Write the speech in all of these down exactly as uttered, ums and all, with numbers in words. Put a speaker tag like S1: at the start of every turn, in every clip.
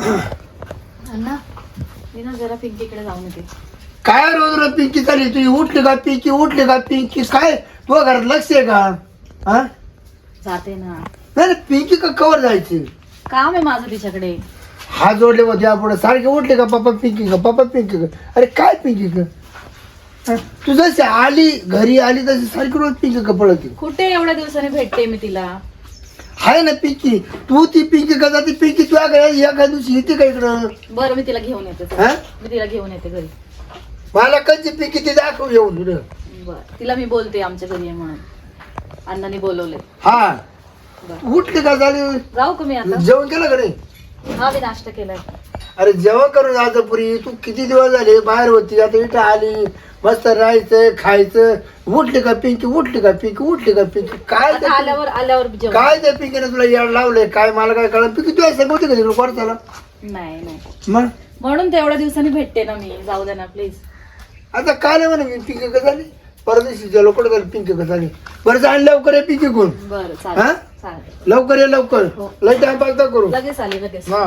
S1: अण्णा मी ना जरा पिंकीकडे जाऊन येते.
S2: काय रोज रोज पिंकी चालली तुझी? उठली का पिंकी? उठली का पिंकी? काय तुझ्या घरात लक्ष आहे का? हा
S1: जाते ना.
S2: नाही नाही, पिंकी का कवर जायची?
S1: काम आहे माझं तिच्याकडे.
S2: हात जोडले होते आपण सारखे. उठले का पप्पा पिंकी का? पप्पा पिंकी का? अरे काय पिंकी का? हा? तू जशी आली घरी आली तशी सारखी रोज पिंकी का पळती?
S1: कुठे एवढ्या दिवसाने भेटते मी तिला.
S2: आहे ना पिंकी. तू ती पिंकी का जाते? पिंकी तुझ्या घरी एका दिवशी येते का इकडं?
S1: बरं मी तिला घेऊन येते.
S2: हा?
S1: मी तिला घेऊन येते घरी.
S2: मला कधी पिंकी ती दाखव येऊन तुला.
S1: बर तिला मी बोलते आमच्या घरी आहे म्हणून. अण्णांनी बोलवले.
S2: हा
S1: बरं
S2: उठली का झाली?
S1: जाऊ का मी आता?
S2: जेवण केलं का नाही?
S1: हा मी नाश्ता केलाय.
S2: अरे जेवण करून आता पुरी. तू किती दिवस झाले बाहेर होती, आता इथं आली. मस्त राहायचं खायचं. उठली का पिंकी? उठली का पिंकी? उठली का पिंकी? काय
S1: आता
S2: ते-
S1: आल्यावर आल्यावर जेवण.
S2: काय त्या पिंकीने तुला याड लावलंय काय मला काय कळलं? पिंकी तुझ्या संग होती का तिकडे कोर्टाला?
S1: नाही नाही
S2: मग
S1: म्हणून तेवढ्या दिवसांनी भेटते ना मी. जाऊ दे ना प्लीज.
S2: आता काय नाही म्हणे मी पिंकी का झाली? परदेशीच्या लोकडे झाली पिंकी का झाली? बरं जाण लवकर ये पिंकी कोण?
S1: बरं
S2: हा?
S1: चालेल चालेल.
S2: लवकर ये लवकर.
S1: हो.
S2: लय टाइम पास ना करू.
S1: लगेच आले लगेच.
S2: हा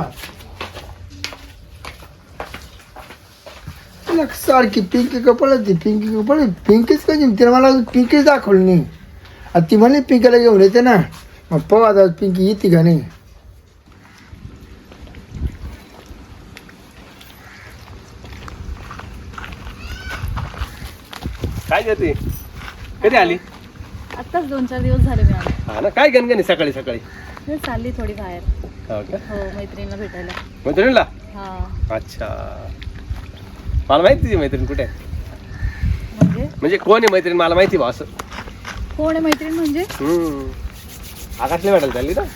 S2: लक सारखी पिंकी कपडती पिंकी कपड पिंकीच कधी तिला मला पिंकीच दाखवली नाही. आता ती म्हणे पिंकीला घेऊन येते ना. मग पाहू आता पिंकी येते का नाही.
S3: काय करते? कधी आली?
S1: आत्ताच दोन चार दिवस झाले मी आले.
S3: हा ना, काय गणगणी सकाळी सकाळी?
S1: मी चालली थोडी बाहेर.
S3: हो का?
S1: हो मैत्रिणीला भेटायला.
S3: मैत्रिणीला?
S1: हा
S3: अच्छा, मला माहिती तुझी मैत्रीण कुठे आहे.
S1: म्हणजे
S3: म्हणजे कोण आहे मैत्रीण मला माहिती बा. असं
S1: कोण आहे मैत्रीण म्हणजे?
S3: हम्म आकाशला भेटायला चालली ना.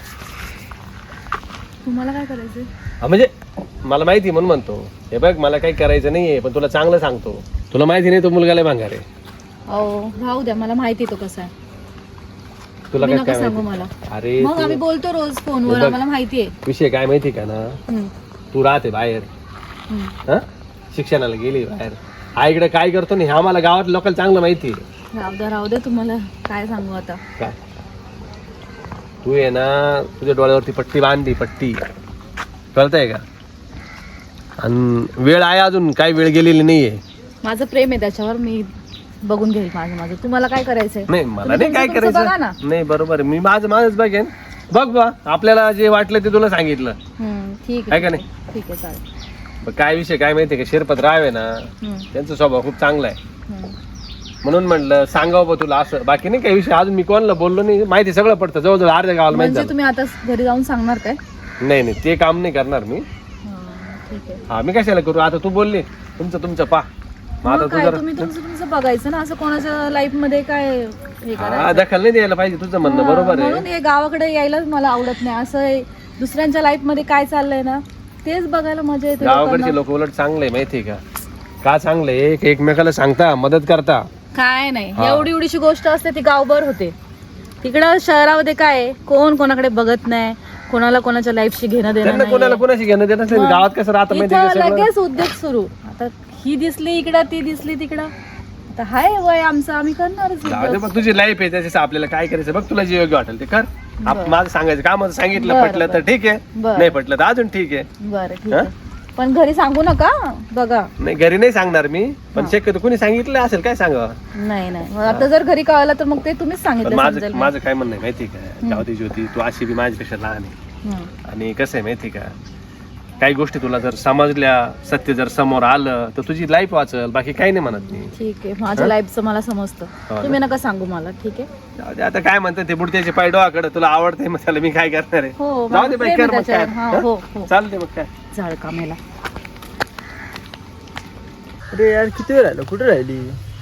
S1: तुम्हाला काय करायचंय?
S3: हा म्हणजे मला माहिती म्हणून म्हणतो. हे बघ मला काही करायचं नाहीये पण तुला चांगलं सांगतो. तुला माहिती नाही तो मुलगा लय भांगार आहे.
S1: अहो राहू द्या, मला माहिती तो कसा आहे.
S3: तुला
S1: तुम्ही
S3: काय
S1: नका
S3: काय
S1: सांगू
S3: माहिती?
S1: मला.
S3: अरे
S1: मग
S3: तू-
S1: आम्ही बोलतो रोज फोनवर.
S3: बघ.
S1: आम्हाला माहिती आहे.
S3: विषय काय माहिती का ना,
S1: हम्म,
S3: तू राहते बाहेर.
S1: हम्म.
S3: हा शिक्षणाला गेली बाहेर. आईकडे काय करतो नाही हे आम्हाला गावात लोकांना चांगलं माहिती आहे.
S1: राहू द्या राहू द्या, तुम्हाला काय सांगू आता.
S3: काय तू आहे ना तुझ्या डोळ्यावरती पट्टी बांधली पट्टी कळतंय का? आणि वेळ आहे अजून काही वेळ गेलेली नाहीये.
S1: माझं प्रेम आहे त्याच्यावर. मी बघून घेईल माझं माझं. तुम्हाला काय करायचंय?
S3: नाही मला
S1: तुम्ही
S3: नाही काय
S1: तुमचं- तुमचं बघा ना.
S3: करायचं. नाही बरोबर आहे. मी माझं माझंच बघेन. बघ बा आपल्याला जे वाटलं ते तुला सांगितलं.
S1: हम्म, ठीक
S3: आहे का
S1: आहे
S3: नाही?
S1: ठीक आहे चालेल.
S3: बघ, काय विषय काय माहितीये का, शिरपत राव आहे ना
S1: हम्म,
S3: त्यांचा स्वभाव खूप चांगला आहे.
S1: हम्म.
S3: म्हणून म्हटलं सांगावं बा तुला असं. बाकी नाही काही विषय. अजून मी कोणाला बोललो नाही. माहिती सगळं पडतं जवळजवळ अर्ध्या गावाला माहिती
S1: म्हणजे
S3: झालं.
S1: तुम्ही आता घरी जाऊन सांगणार काय?
S3: नाही नाही ते काम नाही करणार मी.
S1: हा, ठीक आहे.
S3: हा मी कशाला करू. आता तू बोलली तुमचं तुमचं पा. मग आता
S1: मग
S3: तू
S1: काय
S3: जरा
S1: तुम्ही तुमचं तुमचं बघायचं ना. असं कोणाच्या लाईफ मध्ये काय हे
S3: हा
S1: करायचं.
S3: दखल नाही द्यायला पाहिजे. तुझं म्हणणं
S1: हा,
S3: बरोबर
S1: म्हणून
S3: आहे.
S1: हे गावाकडे यायलाच मला आवडत नाही. असं आहे, दुसऱ्यांच्या लाईफ मध्ये काय चाललंय ना तेच बघायला मजा येते.
S3: गावाकडचे
S1: लोकांना.
S3: लोक उलट चांगले माहितीये का. का चांगले एक एकमेकाला सांगता मदत करता.
S1: काय नाही
S3: हा.
S1: एवढी एवढीशी गोष्ट असते ती गावभर होते. तिकडं शहरामध्ये काय आहे, कोण कोणाकडे बघत नाही. कोणाला कोणाच्या लाईफशी घेणं देणं
S3: त्यांना कोणाला
S1: नाही.
S3: कोणाशी घेणं देत नसलं. गावात कसं राहतं माहिती
S1: इथं
S3: का सगळं?
S1: लगेच उद्योग सुरू. आता ही दिसली इकडं ती दिसली तिकडं. आता हाय वय आमचं, आम्ही करणारच
S3: जाऊ दे
S1: उद्योग.
S3: बघ तुझी लाईफ आहे त्याच्याशी आपल्याला काय करायचं बघ. तुला जे योग्य वाटेल ते कर. आप-
S1: बरं.
S3: माझं सांगायचं काम सांगितलं
S1: बरं,
S3: पटलं तर
S1: बरं.
S3: ठीक आहे.
S1: बरं.
S3: नाही पटलं तर अजून ठीक आहे.
S1: बरं ठीक
S3: हा?
S1: आहे. पण घरी सांगू नका बघा.
S3: नाही घरी नाही सांगणार मी. पण
S1: हा.
S3: शक्यतो कुणी सांगितलं असेल काय सांगावं.
S1: नाही नाही मग आता जर घरी कळलं तर मग ते तुम्हीच
S3: पण
S1: सांगितलं
S3: माझं
S1: समजेल.
S3: माझं काय म्हणणं आहे माहिती का, जाऊ दे ज्योती तू अशी बी माझ्यापेक्षा लहान आहे.
S1: हम्म.
S3: आणि कसं आहे माहिती का, काही गोष्टी तुला जर समजल्या सत्य जर समोर आलं तर तुझी लाईफ वाचल. बाकी काही नाही म्हणत मी.
S1: ठीक आहे माझ्या लाईफचं मला समजतं.
S3: ना.
S1: तुम्ही नका सांगू मला. ठीक आहे.
S3: जाऊ दे आता काय म्हणतात ते बुडत्याचे पाय डोळाकडे. तुला आवडतंय मग त्याला मी काय करणार आहे.
S1: हो
S3: जाऊ
S1: माझं
S3: दे बाई
S1: प्रेम
S3: कर
S1: आहे
S3: मग काय.
S1: त्याच्यावर. हा, हो हो
S3: चालते मग काय.
S1: झाड कामेला.
S4: अरे यार किती वेळ राहिलो, कुठे राहिली?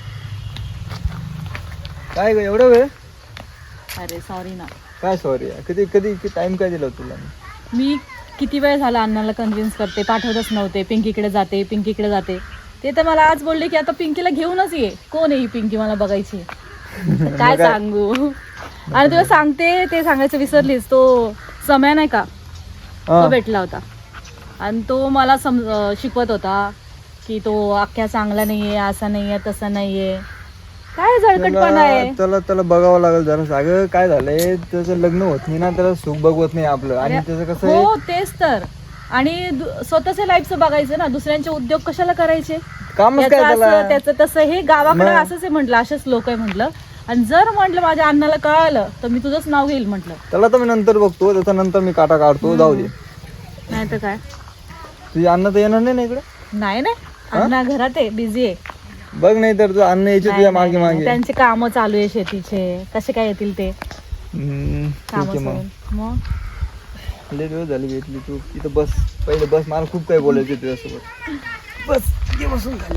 S4: काय ग एवढा वेळ?
S1: अरे सॉरी ना.
S4: काय सॉरी यार, कधी कधी टाइम काय दिला तुला?
S1: मी किती वेळ झाला अण्णाला कन्व्हिन्स करते, पाठवतच नव्हते. पिंकीकडे जाते पिंकीकडे जाते. ते तर मला आज बोलले की आता पिंकीला घेऊनच ये. कोण आहे ही पिंकी मला बघायची. तर काय सांगू. आणि तुला सांगते ते सांगायचं विसरलीस. तो समय नाही का तो भेटला होता आणि तो मला सम शिकवत होता की तो अख्ख्या चांगला नाहीये, असा नाहीये, तसा नाहीये. काय झळकटपणा आहे.
S4: त्याला त्याला बघावं लागेल जरा. अगं काय झालंय, त्याचं लग्न होत नाही ना, त्याला सुख बघवत नाही आपलं. आणि त्याचं कसं
S1: हो
S4: आहे,
S1: तेच तर आणि दु- स्वतःच्या लाईफचं बघायचं ना, दुसऱ्यांचे उद्योग कशाला करायचे?
S4: कामच काय
S1: याचं
S4: त्याला?
S1: असं त्याचं तसं, हे गावाकडे
S4: मग?
S1: असंच आहे म्हटलं, असेच लोक आहे म्हटलं. आणि जर म्हटलं माझ्या अण्णाला कळालं तर मी तुझंच नाव घेईल म्हटलं.
S4: त्याला तर मी नंतर बघतो, त्याच्यानंतर मी काटा काढतो. जाऊ दे,
S1: नाही तर काय.
S4: तुझे अन्न तर येणार नाही ना इकडे.
S1: नाही नाही, अण्णा घरात आहे, बिझी आहे.
S4: बघ, नाही तर तुझं अन्न यायचे तुझ्या मागे मागे.
S1: त्यांचे काम चालू आहे शेतीचे, कसे काय येतील ते
S4: हम्म, ठीक
S1: काम
S4: आहे मग.
S1: सोडून. मग
S4: लय दिवस झाली भेटली तू इथं. बस पहिले बस, मला खूप काही बोलायचं तुझ्यासोबत. बस ये बसून खाली.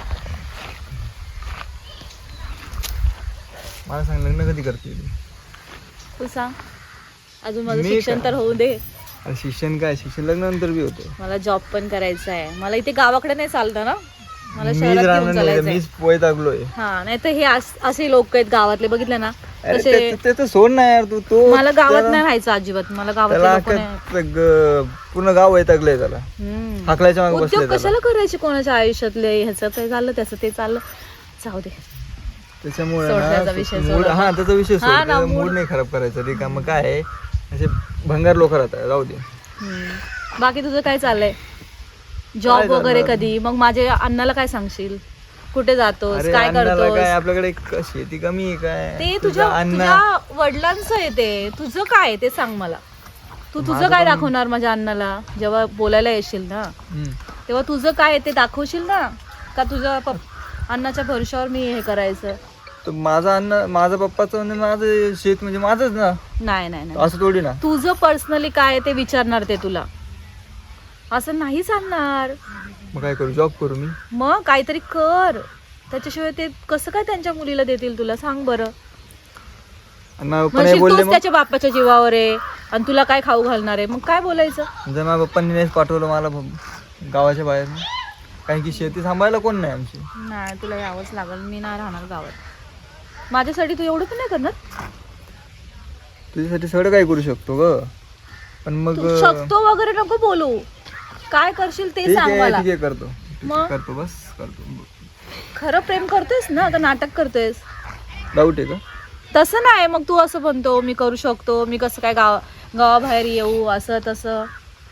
S4: मला सांग, लग्न कधी करते तू?
S1: तू सांग, अजून माझं
S4: मी
S1: शिक्षण
S4: का?
S1: तर होऊ दे.
S4: अरे शिक्षण काय, शिक्षण लग्नानंतर बी होतं.
S1: मला जॉब पण करायचा आहे. मला इथे गावाकडे नाही चालतं ना, मला
S4: मीच
S1: शहरात
S4: राहणार
S1: घेऊन
S4: नाही,
S1: चालायचंय.
S4: मीच वैतागलोय.
S1: हा, नाही तर हे अस- असे लोक आहेत गावातले, बघितले ना
S4: अरे
S1: तसे.
S4: ते- ते तर सोड ना यार, तू तो
S1: मला गावात
S4: त्याला-
S1: नाही राहायचं अजिबात. मला गावातले
S4: त्याला
S1: लोक नाही.
S4: अख्खं ग- पूर्ण गाव वैतागलंय त्याला.
S1: हम्म.
S4: हाकलायच्या मागे बसले
S1: उद्योग
S4: त्याला.
S1: कशाला करायचे कोणाच्या आयुष्यातले? ह्याचं ते चाललं, त्याचं ते चाललं, जाऊ दे.
S4: त्याच्यामुळे
S1: सोड
S4: ना,
S1: त्याचा विषय,
S4: मूड-
S1: सोड
S4: हा त्याचा विषय सोड.
S1: हा ना,
S4: त्याचा
S1: मूड-
S4: मूड नाही खराब करायचा. रे का मग काय आहे, असे भंगार लोक राहतात. जाऊ दे.
S1: हम्म. बाकी तुझं काय चाललंय?
S4: काय
S1: जॉब
S4: चाललं?
S1: वगैरे कधी? मग माझ्या अण्णाला काय सांगशील? कुठे जातोस,
S4: अरे
S1: काय
S4: अण्णाला
S1: करतोस?
S4: काय, आपल्याकडे एक शेती कमी आहे काय?
S1: ते
S4: तुझा
S1: तुझ्या
S4: अण्णा
S1: तुझ्या वडिलांचं आहे ते. तुझं काय आहे ते सांग मला. तू तुझं
S4: माझं
S1: काय
S4: पण-
S1: दाखवणार माझ्या अण्णाला जेव्हा बोलायला येशील ना?
S4: हम्म.
S1: तेव्हा तुझं काय आहे ते दाखवशील ना? का तुझ्या पप- अण्णाच्या भरोशावर मी हे करायचं?
S4: तर माझा अन्न, माझा पप्पाचं म्हणजे माझं शेत म्हणजे माझंच ना.
S1: नाही नाही नाही,
S4: असं थोडी ना.
S1: तुझं पर्सनली काय आहे ते विचारणार ते तुला. असं नाही सांगणार.
S4: मग काय करू, जॉब करू मी?
S1: मग काहीतरी कर. त्याच्याशिवाय ते कसं काय त्यांच्या मुलीला देतील तुला, सांग बरं.
S4: आणि माझ्या पप्पा नाही
S1: म्हणशील
S4: बोलले
S1: तूच
S4: मग.
S1: त्याच्या बापाच्या जीवावर आहे आणि तुला काय खाऊ घालणार आहे, मग काय बोलायचं?
S4: जर माझ्या पप्पांनी नाहीच पाठवलं मला ब- गावाच्या बाहेर, कारण की शेती सांभाळायला कोण नाही आमची.
S1: नाही, तुला यावंच लागेल. मी नाही राहणार गावात. माझ्यासाठी तू एवढं पण नाही करणार.
S4: तुझ्यासाठी सगळं काय करू शकतो ग, पण मग
S1: तू शकतो वगैरे नको बोलू. काय करशील ते
S4: ठीक
S1: सांग
S4: आहे,
S1: मला.
S4: ठीक आहे, करतो. ठीक
S1: मग?
S4: आहे, करतो, बस करतो.
S1: खरं प्रेम करतोयस ना का नाटक करतोयस?
S4: डाऊट आहे का?
S1: तसं नाही. मग तू असं म्हणतो मी करू शकतो, मी कसं काय गाव गावाबाहेर येऊ, असं तसं.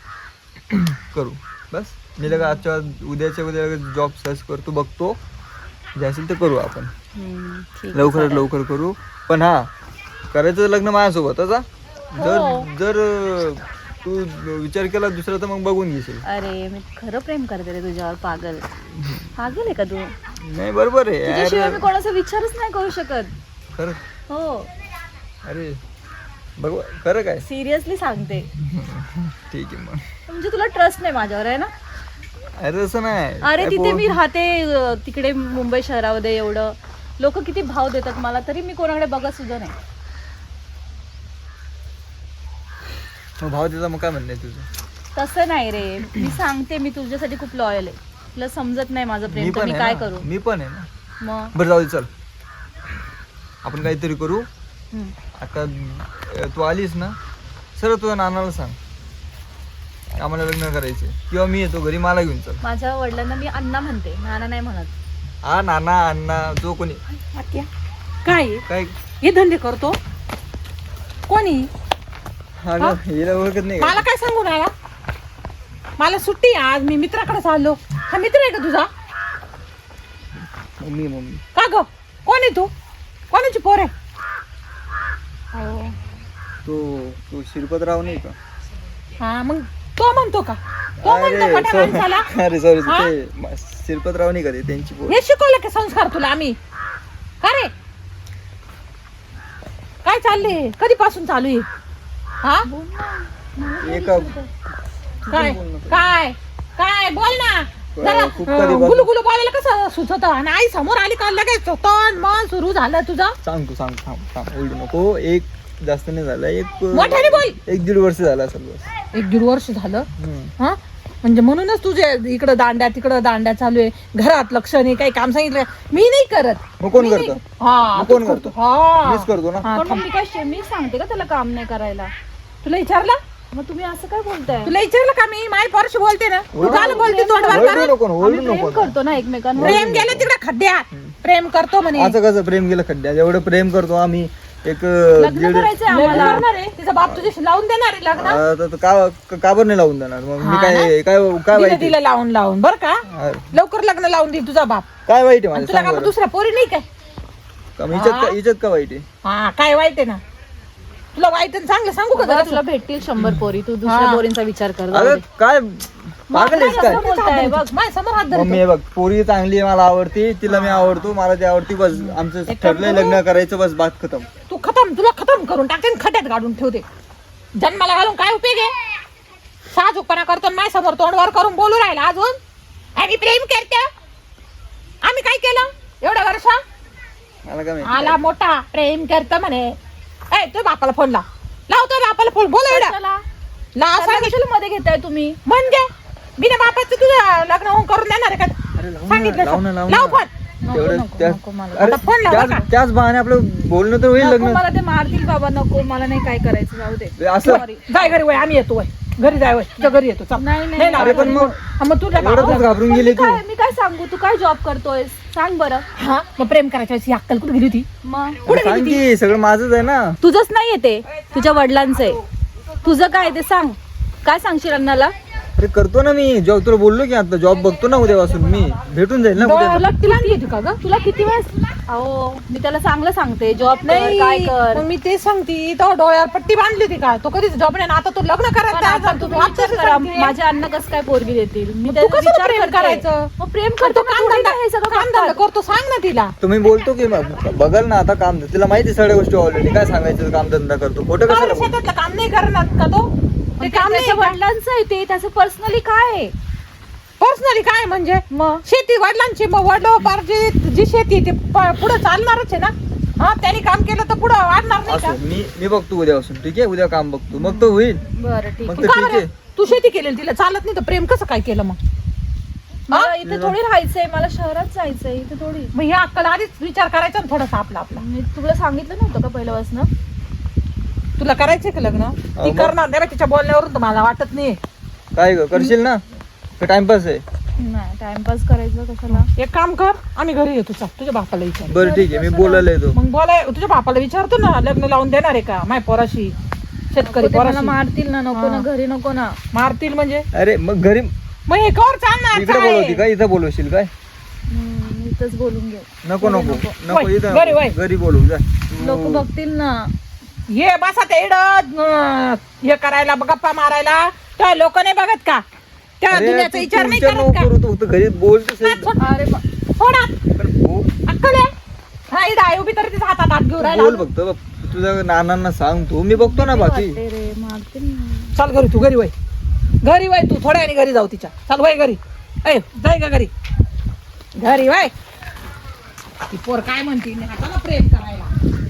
S4: करू बस. मी लगा आजच्या उद्याच्या उद्या जॉब सर्च करतो, बघतो जे असेल ते करू आपण.
S1: हम्म, ठीक आहे,
S4: लवकरात
S1: चालेल.
S4: लवकर करू. पण हा, करायचं लग्न माझ्यासोबतच हा. जर
S1: हो.
S4: जर अं, तू विचार केला दुसरा तर मग बघून घेशील.
S1: अरे मी खरं प्रेम करते रे तुझ्यावर. पागल पागल आहे का तू?
S4: नाही बरोबर आहे
S1: तुझ्याशिवाय
S4: यार.
S1: मी कोणाचा विचारच नाही करू शकत.
S4: खरं?
S1: हो,
S4: अरे बघ, खरं काय?
S1: सिरियसली सांगते.
S4: ठीक आहे मग.
S1: म्हणजे तुला ट्रस्ट नाही माझ्यावर, आहे ना?
S4: अरे तसं नाही.
S1: अरे
S4: काय
S1: तिथे
S4: बोल-
S1: मी राहते अं, तिकडे मुंबई शहरामध्ये, एवढं लोक किती भाव देतात मला, तरी मी कोणाकडे बघत सुद्धा नाही.
S4: मग भाव त्याचा मग काय म्हणणं आहे तुझं?
S1: तसं नाही रे, मी सांगते मी तुझ्यासाठी खूप लॉयल आहे. तुला समजत नाही माझं
S4: मी
S1: प्रेम, तर
S4: पण
S1: मी
S4: आहे
S1: काय
S4: ना.
S1: करू?
S4: मी पण आहे ना.
S1: मग
S4: बरं जाऊ दे, चल आपण काहीतरी करू.
S1: हम्म.
S4: आता अं, तू आलीस ना, सरळ तुझ्या नानाला सांग आम्हाला लग्न करायचे, किंवा मी येतो घरी, मला घेऊन चल.
S1: माझ्या वडिलांना मी अण्णा म्हणते, नाना नाही म्हणत.
S4: हा, नाना अण्णा जो कोणी.
S5: आत्या, काय
S4: काय
S5: हे धंदे करतो कोणी?
S4: हा ग, हिला ओळखत नाही
S5: मला
S4: का?
S5: काय सांगून आला? मला सुट्टी आहे आज, मी मित्राकडे चाललो. हा मित्र आहे का तुझा?
S4: मम्मी मम्मी
S5: का ग, कोण आहे तू? कोणाची पोर आहे? अहो,
S4: तो तो शिरपतराव नाही का?
S5: हा मग तो म्हणतो का? तो म्हणतो
S4: अरे
S5: मोठ्या
S4: sorry.
S5: माणसाला?
S4: अरे सॉरी,
S5: हा?
S4: ते म- शिरपतराव नाही का ते, त्यांची पोर.
S5: हे शिकवलं की संस्कार तुला आम्ही? का रे, काय चालले? कधीपासून चालू आहे? हा
S4: एका
S5: काय काय काय बोल ना जरा.
S4: खूप कधी बस-
S5: गुलू गुलू बोलायला कसं सुचत? आणि आई समोर आली का लगेच तन मन सुरू झालं तुझं?
S4: सांगतो सांगतो थांब थांब ओरडू नको. एक जास्त नाही झालं, एक
S5: मोठ्याने बोल.
S4: एक दीड वर्ष झालं असेल बस.
S5: एक दीड वर्ष झालं.
S4: हम्म.
S5: हा म्हणजे म्हणूनच तुझे इकडं दांड्या तिकडं दांड्या चालू आहे. घरात लक्ष नाही, काही काम सांगितलं मी नाही करत.
S4: मग कोण
S5: मी नाही-
S4: करतं?
S5: हा
S4: मग कोण
S5: तूच
S4: करतो?
S5: हा
S4: मीच करतो ना.
S5: हा,
S1: पण मग
S5: थांब.
S1: मी काय मी सांगते का त्याला काम नाही करायला?
S5: तुला विचारलं?
S1: मग तुम्ही असं काय बोलताय?
S5: तुला विचारलं का मी? माय परशी बोलते ना. तू
S4: ओरडू
S5: झालं बोलते तोंडवर
S4: ओरडू
S5: करून.
S4: नको ना,
S1: आम्ही
S4: ओरडू
S1: प्रेम
S4: नको ना.
S1: करतो ना एकमेकांवर.
S5: प्रेम गेलं तिकडे खड्ड्यात. प्रेम करतो म्हणे.
S4: असं कसं प्रेम गेलं खड्ड्यात? एवढं प्रेम करतो आम्ही, एक
S1: लग्न
S4: दीड
S1: करायचंय
S5: लग्न
S1: आम्हाला.
S5: करणार आहे तिचा बाप तुझ्याशी लावून देणार आहे लग्न
S4: अं, तर- तर का का बरं नाही लावून देणार मग मी
S5: हा
S4: काय काय काय
S5: दिलं
S4: वाईट आहे?
S5: दिलं लावून लावून बरं का
S4: हा,
S5: लवकर लग्न लावून देईल तुझा बाप
S4: काय वाईट आहे
S5: आणि
S4: माझं
S5: तुला
S4: सांग
S5: का मग
S4: बरं.
S5: दुसऱ्या पोरी नाही काय
S4: का मग हिच्यात का हिच्यात का वाईट आहे?
S5: हा काय वाईट आहे ना तुला वाईट आणि चांगलं सांगू का
S1: बरं,
S5: जरा
S1: तुला भेटतील शंभर पोरी, तू दुसऱ्या
S5: हा.
S1: पोरींचा विचार कर. जाऊ
S4: अगं
S1: दे.
S4: काय पागल आहेस काय
S1: बोलताय बघ.
S5: माझ्या समोर हात धरतो.
S4: मम्मी हे बघ पोरगी चांगली आहे, मला आवडती, तिला मी आवडतो, मला ती आवडती, बस आमचं
S5: एक काम
S4: ठरलंय
S5: करू?
S4: लग्न करायचं, बस बात खतम.
S5: तू खतम तुला खतम करून टाकते आणि खड्यात गाडून ठेवते जन्माला घालून काय उपयोग आहे साजूकपणा करतो आणि माझ्या समोर तोंडवर करून बोलू राहिला अजून आम्ही प्रेम करते आम्ही काय केलं एवढ्या वर्ष
S4: मला काय माहिती
S5: आला मोठा प्रेम करत म्हणे ए तू बापाला फोन लाव लावतो बापाला फोन बोल एवढा
S1: कशाला?
S5: ला
S1: कशाला
S5: सांगितलं
S1: कशाला मध्ये घेताय तुम्ही?
S5: म्हणजे बिना बापाचं तुझं लग्न होऊन करून देणार आहे
S4: अरे
S5: का
S4: लावू ना,
S5: सांगितलं
S4: लावू ना, लावू
S5: लाव
S4: ना.
S5: फोन
S4: तेवढं
S1: नको,
S4: त्या-
S1: नको मला.
S4: अरे
S5: आता फोन लावा
S4: त्याच
S5: का?
S4: त्याच बहाने आपलं बोलणं तर होईल
S1: नको,
S4: लग्न
S1: मला ते मारतील बाबा, नको मला नाही काय करायचं, जाऊ दे.
S4: असं
S1: Sorry.
S5: जाय घरी वय आम्ही येतो वय घरी जाय वय तुझ्या घरी येतो चल.
S1: नाही, नाही,
S5: नाही
S4: अरे पण मग
S5: हा, मग तुझ्या
S4: एवढं
S5: बापाला-
S4: घाबरून
S1: पण
S4: गेली
S1: मी
S4: तू
S1: काय मी काय सांगू, तू काय जॉब करतोय सांग बरं.
S5: हा मग प्रेम करायच्या वेळेस ही अक्कल कुठे गेली होती
S1: मग
S5: कुठे
S4: सांग
S5: गेली
S4: की सगळं माझंच आहे ना.
S1: तुझंच नाहीये ते, तुझ्या वडिलांचं आहे. तुझं काय ते सांग, काय सांगशील अण्णाला?
S4: अरे करतो ना मी जॉब, तुला बोललो की आता जॉब बघतो ना उद्यापासून मी, भेटून जाईल ना उद्या.
S5: तुला तिला आणली होती का ग
S1: तुला किती वेळेस अहो मी त्याला चांगलं सांगते, जॉब नाही काय कर.
S5: मग मी तेच सांगते तो डोळ्यावर पट्टी बांधली होती का तो कधीच जॉब नाही आणि आता तू लग्न
S1: पण
S5: करायचं
S1: आता
S5: आता
S1: तुम्ही
S5: तू
S1: विचार
S5: आत्ताच
S1: करा,
S5: सांगते.
S1: माझ्या अण्णा कसं काय पोरगी देतील? मी
S5: तू
S1: त्याचा
S5: कसं
S1: विचार
S5: प्रेम
S1: करते.
S5: करायचं
S1: मग प्रेम
S5: करतो
S1: करतो
S5: काम धंदा
S1: हे सगळं
S5: काम धंदा
S1: करतात.
S5: करतो सांग ना तिला
S4: तुम्ही बोलतो की मग बघल ना आता काम, तिला माहिती सगळ्या गोष्टी ऑलरेडी, काय सांगायचं काम धंदा करतो, खोटं
S5: का
S4: कशाला
S5: बरं
S4: बोलतो?
S5: शेतातलं काम नाही करणार का तो
S1: ते
S5: ते काम नाही
S1: त्याच्या वडिलांचं आहे, ते त्याचं पर्सनली काय आहे
S5: पर्सनली काय म्हणजे
S1: मग
S5: शेती वडिलांची मग वडलोपार जी जी शेती आहे ती पुढे चालणारच आहे ना हा त्यांनी काम केलं तर पुढे वाढणार नाही का
S4: असं मी मी बघतो उद्यापासून, ठीक आहे, उद्या काम बघतो, मग तो होईल.
S1: बरं ठीक
S4: मग
S1: आहे.
S4: तर
S5: का
S4: ठीक
S5: बरं?
S4: आहे.
S5: तू शेती केलेली तिला चालत नाही तर प्रेम कसं काय केलं मग
S1: मला इथे थोडी राहायचंय, मला शहरात जायचंय, इथे थोडी.
S5: मग हे अक्कल आधीच विचार करायचा ना थोडासा आपला आपला
S1: मी तुला सांगितलं नव्हतं का पहिल्यापासून?
S5: तुला करायचंय का लग्न ती
S4: मग?
S5: करणार नाही बा, तिच्या बोलण्यावरून तर मला वाटत नाही
S4: काय ग करशील ना, टाइमपास आहे.
S1: नाही टाइमपास करायचं कशाला?
S5: एक काम कर आम्ही घरी येतो चल तुझ्या बापाला विचार
S4: बरं ठीक आहे, मी बोलायला येतो.
S5: मग बोलाय तुझ्या बापाला विचारतो ना लग्न लावून देणार आहे का माय पोराशी शेतकरी
S1: नको ते मला
S5: पोराशी
S1: मारतील ना, नको ना,
S5: हा.
S1: घरी नको ना.
S5: मारतील म्हणजे
S4: अरे मग घरी
S5: मग हे कर चालणार
S4: इकडे
S5: काय?
S4: बोलवती का, इथं बोलवशील काय?
S1: हम्म, इथंच बोलून घे.
S4: नको
S1: घरी
S4: नको
S1: नको.
S4: नको
S5: वय,
S4: इथं
S5: घरी वय.
S4: नको. घरी बोलवू जा.
S1: लोक बघतील ना.
S5: ये बसा ते इड हे करायला गप्पा मारायला त्या लोक नाही बघत का त्या
S4: अरे,
S5: दुनियाचा
S4: तू
S5: विचार नाही
S4: तुमच्या
S5: करत का
S4: नोकर होतो, घरी बोलतोस
S5: नाही, थोड-
S1: अरे बा-
S5: थोडा
S4: पण बो-
S5: अक्कल आहे हा इड आहे उभी तरी तिचा हातात हात घेऊन राहिला
S4: बोल फक्त बघ, तुझ्या नानांना सांगतो मी, बघतो ना बाकी.
S1: वाटते रे, मारतील ना.
S5: चल घरी तू घरी वय घरी वय तू थोड्या वेळाने घरी जाऊ तिच्या चल वय घरी ऐ जाय का घरी घरी वय ती पोर काय म्हणते नाही आता ना प्रेम करायला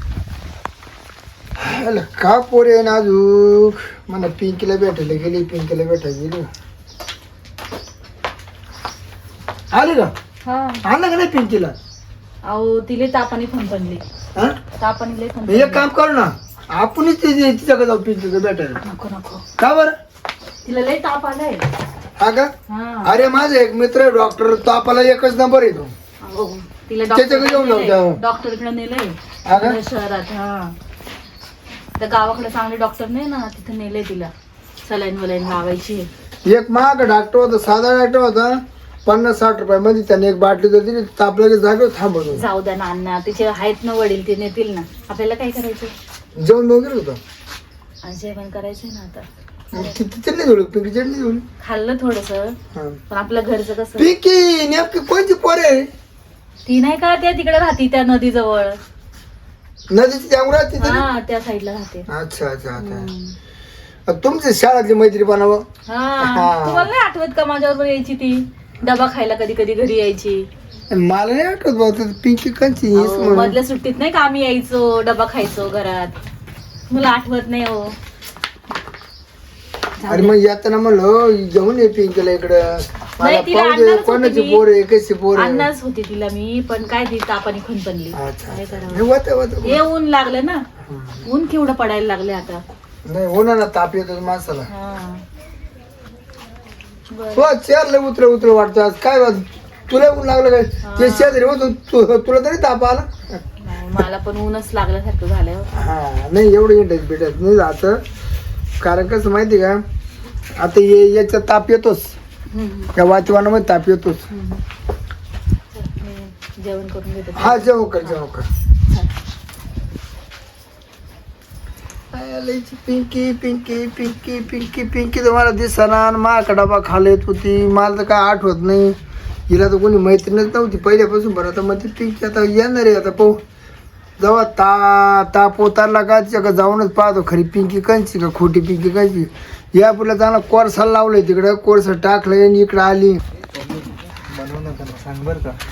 S2: अरे का पोरे आहे ना अजून मला पिंकीला भेटायला गेली, पिंकीला भेटायला गेली. आली का
S1: हा
S2: आणलं का नाही पिंकीला?
S1: अहो तिले तापाने फणफणली,
S2: हा
S1: तापाने लय
S2: एक
S1: फणफणली.
S2: काम करू ना, आपणच तिच्या- तिच्याकडे जाऊ पिंकीला भेटायला.
S1: नको नको,
S2: का बरं?
S1: तिला लय ताप आलाय.
S2: हा का?
S1: हा
S2: अरे माझा एक मित्र आहे डॉक्टर, तो आपला एकच नंबर येतो.
S1: अहो, तिला
S2: त्याच्याकडे जाऊन जाऊ त्या.
S1: डॉक्टरकडे नेलंय
S2: हा का?
S1: इकडे शहरात. हा त्या गावाकडे चांगले डॉक्टर नाही ना, तिथे नेलंय तिला सलाईन वलाईन लावायची.
S2: एक महाग डॉक्टर होता, साधा डॉक्टर होता, पन्नास साठ रुपयामध्ये त्याने एक बाटली जर दिली तापल्या जागेवर थांबवतो.
S1: जाऊ द्या ना अण्णा, तिचे आहेत ना वडील, ते नेतील ना. आपल्याला काय करायचं?
S2: जेवण वगैरे होतं.
S1: आणि जेवण करायचंय ना आता.
S2: मग ती ती चटणी जोडली, पिंकी चटणी जोडली.
S1: खाल्लं थोडस,
S2: हा.
S1: पण आपलं घरचं कसं.
S2: पिंकी नेमकी कोणती पोरे आहे?
S1: ती नाही का त्या तिकडे राहती त्या नदीजवळ.
S2: नदीची त्यामुळे राहते ती ना?
S1: हा त्या साईडला राहते.
S2: अच्छा अच्छा अच्छा.
S1: हम्म.
S2: तुमची शाळातली मैत्री बनावं.
S1: हा
S2: हा.
S1: तुम्हाला नाही आठवत का माझ्याबरोबर यायची ती डबा खायला, कधी कधी घरी यायची.
S2: मला नाही आठवत भाऊ, ती पिंकी कंची हीच
S1: अहो,
S2: म्हणून.
S1: मधल्या सुट्टीत नाही का आम्ही यायचो, डबा खायचो घरात. मला आठवत नाही हो.
S2: अरे मग येताना म्हणलं घेऊन ये पिंकीला इकडं. मला
S1: नाही, तिला
S2: पाहू दे
S1: आणणारच होते
S2: कोणाची
S1: मी.
S2: पोर आहे, कशी पोर आहे.
S1: अन्नाच होती तिला मी, पण काय ती तापाने खुनपणली.
S2: अच्छा
S1: काय
S2: अच्छा.
S1: करावं?
S2: हे होतं, होतं.
S1: हे ऊन लागलं ना, ऊन केवढं पडायला लागले आता.
S2: नाही होणार ना, ताप येतो माणसाला.
S1: हा बरं.
S2: हो चेअरला उतर उतर वाटतं आज काय वाट तुला ऊन लागलं काय? ते शेजारी होतो तु- तुला तरी ताप आला.
S1: नाही, मला पण ऊनच लागल्यासारखं झालंय हो.
S2: हा नाही एवढं इंटरेस्ट भेटत नाही जातं. कारण कसं माहिती का आता ये याचा ताप येतोच,
S1: हम्म,
S2: त्या वातावरणामध्ये ताप येतोच.
S1: हम्म. चल, मी जेवण करून घेते.
S2: हा जेव कर जेव कर. लयची पिंकी पिंकी पिंकी पिंकी पिंकी तर मला दिसना, माका डबा खाला येत होती, मला तर काय आठवत नाही. हिला तर कोणी मैत्रीणच नव्हती पहिल्यापासून. बरं आता मग ती पिंकी आता येणार आहे. आता पाहू जेव्हा ता ताप उतारला का तिच्या जाऊनच पाहतो खरी पिंकी कंची का खोटी पिंकी कंची. या पुढला चांगला कोर्साला लावलंय तिकडं, कोर्स टाकलंय आणि इकडं आली.
S4: बनवू नका ना, सांग बरं का.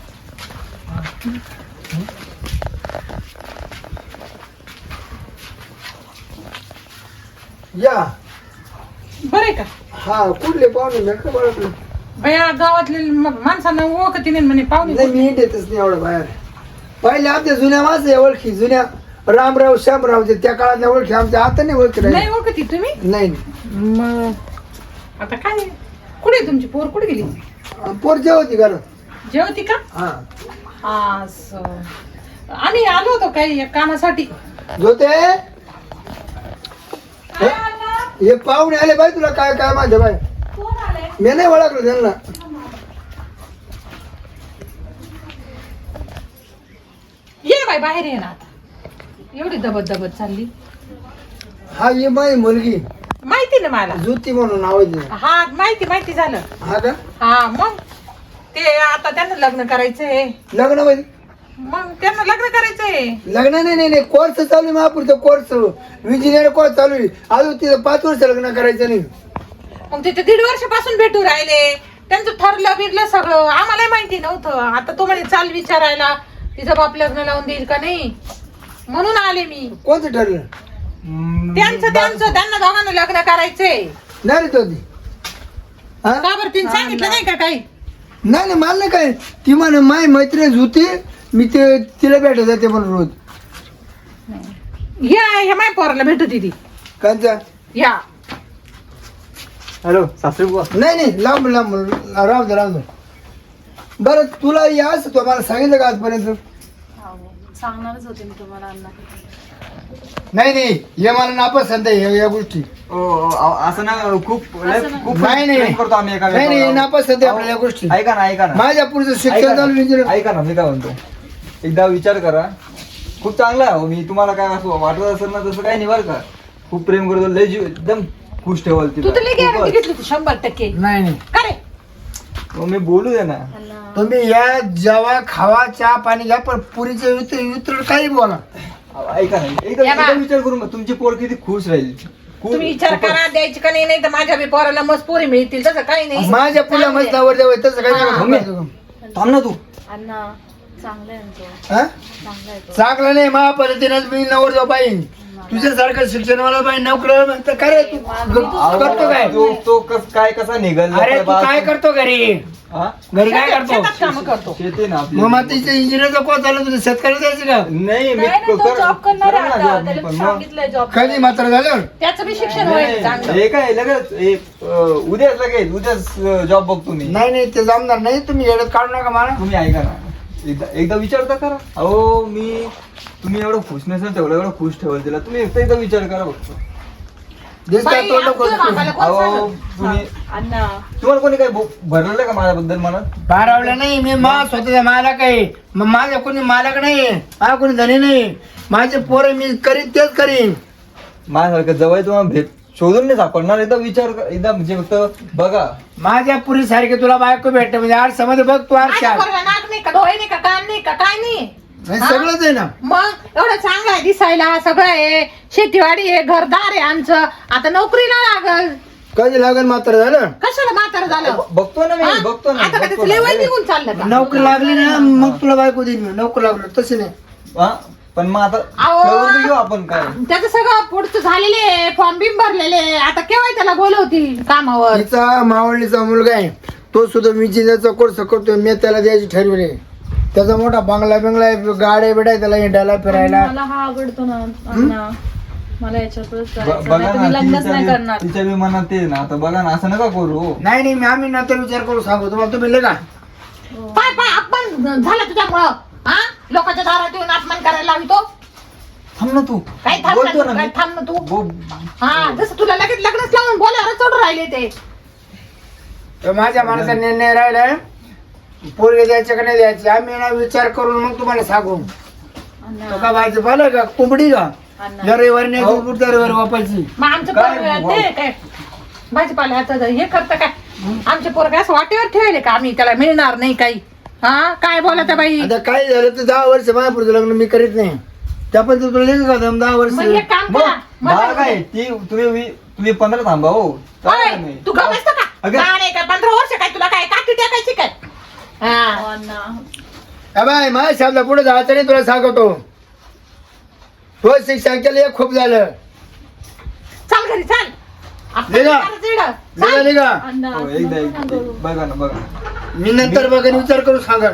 S2: या
S5: बरे का
S2: हा कुठले पाहुणे मी का ओळखलं
S5: भया गावातले म- माणसांना ओळखती नाही म्हणे पाहुणे.
S2: नाही. मी येतच नाही एवढं बाहेर. पहिले आमच्या जुन्या माणसं आहे ओळखी, जुन्या रामराव श्यामरावचे त्या काळातल्या ओळखी आमच्या आता नाही ओळखी
S5: नाही
S2: राहिली.
S5: ओळखती तुम्ही.
S2: नाही
S5: मग आता काय कुठे आहे तुमची पोर, कुठे गेली?
S2: पोर जेवती घरात.
S5: जेवती का?
S2: हा
S5: असं आम्ही आलो होतो काही या कामासाठी.
S2: जोते हे हे पाहुणे आले बाई, तुला काय काय माझ्या बाई मी नाही ओळखलं त्यांना.
S5: ये बाई बाहेर ये ना आता, एवढी दबत दबत चालली.
S2: हा ये माझी मुलगी
S5: माहिती ना मला.
S2: ज्योती म्हणून नाव आहे तिचं.
S5: हा माहिती माहिती झालं.
S2: हा का
S5: हा मग ते आता त्यांना लग्न करायचंय.
S2: लग्न मध्ये
S5: मग त्यांना लग्न करायचंय.
S2: लग्न नाही नाही नाही कोर्स चालू आहे महापुरचा कोर्स, इंजिनियर कोर्स चालू आहे. अजून तिथं पाच वर्ष लग्न करायचं नाही.
S5: मग तिथे दीड वर्षापासून भेटू राहिले, त्यांचं ठरलं बिरलं सगळं, आम्हालाही माहिती नव्हतं. आता तो म्हणे चाल विचारायला तिचं बाप लग्न लावून देईल का नाही, म्हणून आले मी.
S2: कोणतं ठरलं?
S4: हम्म,
S5: त्यांचं त्यांचं त्यांना दोघांना लग्न करायचंय.
S2: नाही रे तो ती हा
S5: का बरं तिने सांगितलं नाही का काही?
S2: नाही नाही मला नाही काय. ती म्हणे माय मैत्रीण होती, मी ते तिला भेटत जाते म्हणून रोज.
S5: या ह्या माय पोराला भेटत ती
S2: कांचा
S5: या.
S4: हॅलो सासरी बुवा.
S2: नाही नाही लांब लांब राहू दे राहू दे. बरं तुला या असं तो मला सांगितलं का आजपर्यंत?
S1: हो, सांगणारच होते मी तुम्हाला अण्णा.
S2: नाही नाही हे मला नापसंत आहे या- या गोष्टी.
S4: ओ, ओ, अ- असं ना खूप लय-
S1: असं ना.
S4: खूप
S2: नाही नाही
S4: प्रेम करतो आम्ही एका
S2: नाही नाही
S4: एकावर.
S2: नापसंत आहे आपल्याला या गोष्टी.
S4: ऐका ना ऐका ना
S2: माझ्या पुढचं
S4: ऐका
S2: शिक्षण चालू
S4: ना.
S2: इंजिनियर.
S4: ऐका ना मी काय म्हणतो, एकदा विचार करा. खूप चांगला आहे हो. मी तुम्हाला काय असं वाटत असेल ना तसं काही नाही बरं का. खूप प्रेम करतो, लय जीव एकदम खुश ठेवाल
S5: तू तर लई गॅरंटी
S4: तिला.
S5: घेतली होती शंभर टक्के.
S2: नाही नाही
S5: का रे?
S4: मग मी बोलू दे ना.
S1: अण्णा
S2: तुम्ही या जेव्हा खावा चहा पाणी घ्या पण पुरीचे वितर वितर काही बोला.
S4: ऐका ना एकदा
S5: या बा.
S4: एकदा विचार करून बघ, तुमची पोर किती खुश राहील. खूप-
S5: तुम्ही विचार
S4: खूपच.
S5: करा द्यायची का नाही, नाही तर माझ्या बी पोराला मस्त पोरी मिळतील, तसं काही नाही.
S2: माझ्या पुला मस्त नवर द्यावं तसं काही
S5: हा.
S2: नाही.
S4: थांब ना तू.
S1: अण्णा चांगलं आहे ना तो,
S2: हा?
S1: चांगला आहे तो.
S2: चांगलं नाही मा पद्धतीनं मी नवर जाऊ पाहिजे. तुझ्यासारखं शिक्षणवाला पाहिजे नोकर तर काय तू ग- करतो काय?
S4: तो तो कस काय कसा निघाल
S2: अरे तू काय करतो घरी?
S4: हा?
S2: घरी काय
S5: शेतात- शेतात
S2: करतो?
S5: कामं करतो.
S4: शेती ना आपली.
S2: मग मग तिच्या इंजिनियरचा कोण चालू तुझं शेतकरी जायचं का?
S4: नाही
S1: नाही
S4: मी
S1: नाही, तो
S4: कर-
S1: जॉब करणार आहे
S4: करेन ना
S1: आता,
S4: job मी
S1: त्याला
S4: पण.
S1: मी
S4: मग-
S1: सांगितलंय जॉब.
S2: कधी मात्र झालं?
S5: त्याचं बी शिक्षण
S4: नाही,
S5: होईल चांगलं.
S4: हे काय लगेच हे, अं, उद्याच लगेच उद्याच जॉब बघतो मी.
S2: नाही नाही ते जमणार नाही. तुम्ही येडत काढू नका मला.
S4: तुम्ही ऐका ना एकदा एकदा विचारता करा. अहो मी तुम्ही एवढं खुश नसेल तेवढं एवढं खुश ठेवाल तिला. तुम्ही एकदा एकदा विचार करा बघतो.
S2: दिसतात
S5: बाई,
S2: तोंड
S5: आपल्या
S2: कोण-
S5: बाबाला कोण
S4: अहो
S5: सांगत?
S4: तुम्ही
S1: अण्णा
S4: तुम्हाला कोणी काही भो- भरलेलं का माझ्याबद्दल मनात?
S2: बारावलं नाही मी मा स्वतःचा मालक आहे. मग माझा कोणी मालक नाही, मला कोणी धनी नाही. माझे पोरं मी करीन तेच करीन.
S4: माझ्यासारखं जवळ तुम्हाला भेट शोधून नाही सापडणार. एकदा विचार कर- एकदा म्हणजे फक्त बघा.
S2: माझ्या पुरी सारखे तुला बायको भेटते म्हणजे आरशामध्ये बघ तू
S5: माझ्या
S2: आरशात.
S5: पोराला नाक नाही का, डोळे नाही का, कान नाही का, काय नाही.
S2: नाही,
S5: हा?
S2: सगळंच आहे ना.
S5: मग एवढं चांगलं आहे दिसायला, सगळं आहे, शेतीवाडी आहे, घरदार आहे आमचं. आता नोकरीला लागल,
S2: कधी लागेल मात्र झालं.
S5: कशाला म्हातारं झालं?
S4: ब- बघतो ना मी
S5: हा?
S4: बघतो ना
S5: आता का
S4: बघतो
S5: त्याचं लेवल
S4: ना.
S5: निघून चाललं का?
S2: नोकरी लागली ना मग तुला बायको देईन मी. नोकरी लागलं तसे नाही.
S4: हा? पण मग आता
S5: अहो.
S4: ठरवून घेऊ आपण काय.
S5: त्याचं सगळं पुढचं झालेले आहे, फॉर्म बिम भरलेले आहे. आता केव्हा त्याला बोलवतील कामावर?
S2: तिचा मावळणीचा मुलगा आहे, तो सुद्धा इंजिनियरचा कोर्स करतोय. मी त्याला द्यायची ठरवले. त्याचा मोठा बंगला बिंगला आहे, गाड्या बिड्या आहे त्याला हिंडायला फिरायला.
S1: मला हा आवडतो ना अण्णा, मला याच्यातच
S4: ब-
S1: करायचं
S4: बघा
S1: नाही तर
S4: ना
S1: मी लग्नच नाही
S4: तिच्या
S1: करणार.
S4: बी- तिच्या बी मनात ते ना. आता बघा ना असं नका करू.
S2: नाही नाही मी आम्ही नंतर विचार करू सांगू तुम्हाला. तुम्ही ले का
S5: पाय पाय आपण झालं तुझ्यामुळं. हा लोकांच्या दारात येऊन अपमान करायला लावितो.
S4: थांब ना तू
S5: काय थांब
S4: बोलतो
S5: ना
S4: ना
S5: तू, काय
S4: मी.
S5: थांब ना तू.
S4: बो-
S5: हा जसं तुला लगेच लग्नच लावून बोलावर चढून राहिले ते.
S2: तर माझ्या मनाचा निर्णय राहिलाय पोरगे द्यायचे का नाही द्यायचे आम्ही ना विचार करून मग तुम्हाला सांगू.
S1: अण्णा,
S2: तो का भाजी पाहिलं का कोंबडी का
S1: अण्णा.
S2: रविवारी नाही तर पुढच्या रविवारी वापायची.
S5: मग आमचं
S4: काय
S5: पोरं
S4: भाऊ?
S5: ते काय भाजीपाल्याचं हे करतं काय आमचे पोरगे असं वाटेवर ठेवले का आम्ही त्याला मिळणार नाही काही. हा काय बोलत बाई.
S2: आता काय झालं तर दहा वर्ष माझ्या पुढचं लग्न मी करीत नाही त्या पण तुला लेखा का दहा
S5: मग
S2: वर्ष
S5: एक काम
S4: मग
S5: करा
S4: बाळा
S5: मला-
S4: काय ती तुम्ही वी- तुम्ही पंधरा थांबा हो
S5: ओय,
S4: चालेल नाही.
S5: तू गप बसतो का
S4: अगं.
S5: लहान आहे का पंधरा वर्ष काय तुला काय काठी टाकायची काय. हा
S1: अण्णा,
S2: हा बाय माझ्या शब्दा पुढे जायचं नाही तुला सांगतो. तो शिक्षण केलं एक खूप झालं.
S5: चाल घरी चाल. आपण
S2: निघा.
S5: करायचं इकडं.
S2: निघा
S5: चाल.
S2: निघा
S1: अण्णा,
S4: हो,
S1: असं
S4: एकदा
S1: नका
S4: एक-
S1: करू.
S4: बघा ना बघा
S2: मी नंतर बघा विचार करू सांगा.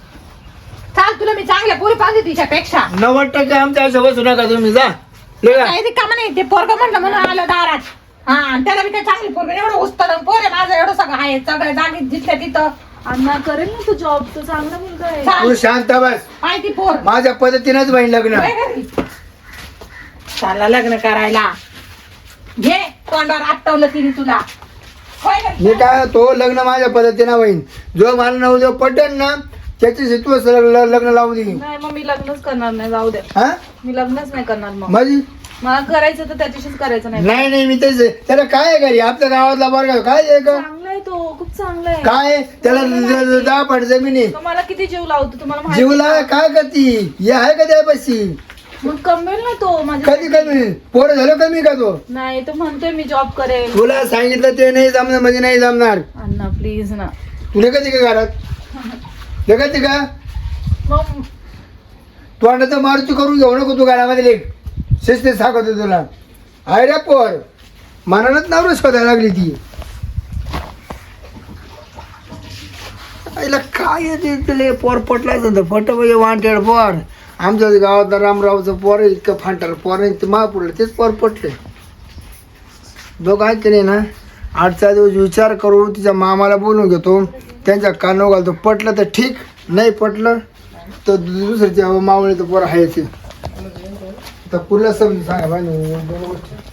S5: चाल तुला मी चांगल्या पोरी पाहिजे तिच्यापेक्षा.
S2: नव्वद टक्के आमच्या असं बसू नका तुम्ही जा निघा.
S5: काही कामा नाही ते पोरग म्हटलं म्हणून आलं दारात. हा आणि त्याला मी काय चांगली पोरग एवढं उचतलं पोर आहे माझं एवढं सगळं आहे सगळं जागीत जिथल्या तिथं.
S1: अण्णा करेल ना तू जॉब, तो चांगला मुलगा आहे.
S5: चाल.
S2: तू शांत बस
S5: माहिती पोर
S2: माझ्या पद्धतीनंच बहीण लग्न.
S5: होय घरी. चालला लग्न करायला घे तोंडावर आपटवलं तिने तुला. होय घरी.
S2: मी काय तो लग्न माझ्या पद्धतीनं होईन. जो मला नऊ जो पटेल ना त्याची तू असं लग्न लग्न लावून दे.
S1: नाही मग मी लग्नच करणार नाही, जाऊ दे.
S2: हा
S1: मी लग्नच नाही करणार मग.
S2: माझी
S1: मला करायचं तर त्याच्याशीच करायचं नाही.
S2: नाही नाही मी तेच त्याला काय आहे घरी आपल्या गावातला बरं काय आहे का
S1: चांगला आहे तो, खूप चांगला आहे.
S2: काय त्याला द- द- दहा पट जमीन आहे.
S1: तो मला किती जीव लावतो तुम्हाला माहिती
S2: जीवला
S1: आहे
S2: काय करती हे आहे का त्यापाशी
S1: का? मग कमवेल ना तो माझ्या.
S2: कधी कमी पोरं झालं कमी का तो.
S1: नाही तो म्हणतोय मी जॉब करेल.
S2: तुला सांगितलं ते नाही जमणार म्हणजे नाही जमणार.
S1: अण्णा प्लीज ना.
S2: तुला कधी का घरात कधी का
S1: मग
S2: तू आणलं तर मारुती करून घेऊ नको तू घरामध्ये लेख शिस्तीत सांगतो तुला. आहे रे पोर मनानच नावरच शोधायला लागली ती. आईला काय आहे ते पोर पटला फट म्हणजे वांटेड पोर. आमच्या गावातला रामरावचं पोर आहे, इतकं फांटर पोर आहे ते महापुरला तेच पोर पटले. बघ आहे की नाही ना आठचा दिवस विचार करू तिच्या मामाला बोलून घेतो त्यांच्या कानावर घालतो. पटलं तर ठीक नाही पटलं तर दुसऱ्याच्या मावळीचं पोर आहे ते. तर पुढला समजून सांगा बाई दोन गोष्टी.